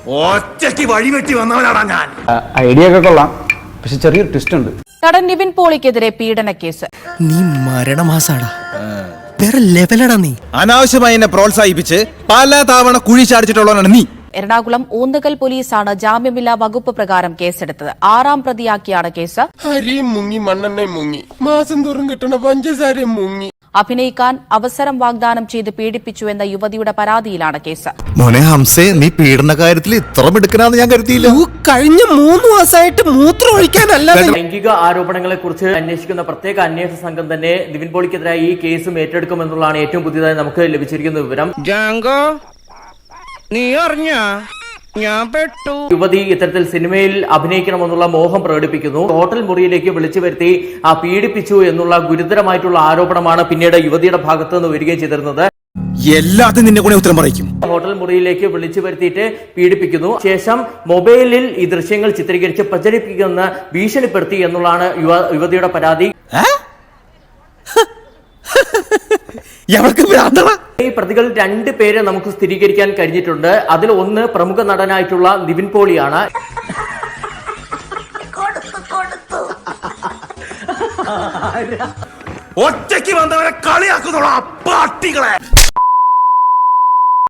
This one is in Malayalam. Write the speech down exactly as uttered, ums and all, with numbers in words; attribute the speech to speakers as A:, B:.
A: ഒറ്റയ്ക്ക് വഴിവെട്ടി വന്നവനാടാ ഞാൻ.
B: ഐഡിയ ഒക്കെ കൊള്ളാം, പക്ഷെ ചെറിയൊരു ട്വിസ്റ്റ് ഉണ്ട്.
C: നടൻ നിവിൻ പോളിക്കെതിരെ പീഡന കേസ്.
D: നീ മരണമാസാടാ, വേറെ ലെവലടാ നീ.
A: അനാവശ്യമായി എന്നെ പ്രോത്സാഹിപ്പിച്ച് പല തവണ കുഴി ചാടിച്ചിട്ടുള്ളവനാണ് നീ.
C: എറണാകുളം ഊന്നുകൽ പോലീസാണ് ജാമ്യമില്ലാ വകുപ്പ് പ്രകാരം കേസെടുത്തത്. ആറാം പ്രതിയാക്കിയാണ് കേസ്.
E: അരിയും മുങ്ങി മണ്ണെണ്ണയും മുങ്ങി മാസം തോറും കിട്ടണ പഞ്ചസാരയും മുങ്ങി.
C: അഭിനയിക്കാൻ അവസരം വാഗ്ദാനം ചെയ്ത് പീഡിപ്പിച്ചു എന്ന യുവതിയുടെ പരാതിയിലാണ് കേസ്.
F: മോനെ ഹംസേ, നീ പീഡന കാര്യത്തിൽ ഇത്ര മിടുക്കനാന്ന് ഞാൻ കരുതിയില്ല.
D: കഴിഞ്ഞ മൂന്ന് മാസമായിട്ട് മൂത്രം ഒഴിക്കാനല്ല.
G: ലൈംഗിക ആരോപണങ്ങളെ കുറിച്ച് അന്വേഷിക്കുന്ന പ്രത്യേക അന്വേഷണ സംഘം തന്നെ നിവിൻ പോളിക്കെതിരായി ഈ കേസും ഏറ്റെടുക്കുമെന്നുള്ളതാണ് ഏറ്റവും പുതിയതായി നമുക്ക് ലഭിച്ചിരിക്കുന്ന വിവരം.
D: നീ അറിഞ്ഞ ഞാൻ പെട്ടു.
G: യുവതി ഇത്തരത്തിൽ സിനിമയിൽ അഭിനയിക്കണമെന്നുള്ള മോഹം പ്രകടിപ്പിക്കുന്നു. ഹോട്ടൽ മുറിയിലേക്ക് വിളിച്ചു വരുത്തി ആ പീഡിപ്പിച്ചു എന്നുള്ള ഗുരുതരമായിട്ടുള്ള ആരോപണമാണ് പിന്നീട് യുവതിയുടെ ഭാഗത്ത് നിന്ന് വരികയും ചെയ്തിരുന്നത്.
A: എല്ലാത്തിനും നിന്നെ കൂടെ ഉത്തരം പറയിക്കും.
G: ഹോട്ടൽ മുറിയിലേക്ക് വിളിച്ചു വരുത്തിയിട്ട് പീഡിപ്പിക്കുന്നു. ശേഷം മൊബൈലിൽ ഈ ദൃശ്യങ്ങൾ ചിത്രീകരിച്ച് പ്രചരിപ്പിക്കുന്ന ഭീഷണിപ്പെടുത്തി എന്നുള്ളതാണ് യുവതിയുടെ പരാതി. ഈ പ്രതികൾ രണ്ട് പേരെ നമുക്ക് സ്ഥിരീകരിക്കാൻ കഴിഞ്ഞിട്ടുണ്ട്. അതിൽ ഒന്ന് പ്രമുഖ നടനായിട്ടുള്ള നിവിൻ പോളിയാണ്.
A: ഒറ്റയ്ക്ക് വന്നവരെ കളിയാക്കുന്നുള്ള പാട്ടികളെ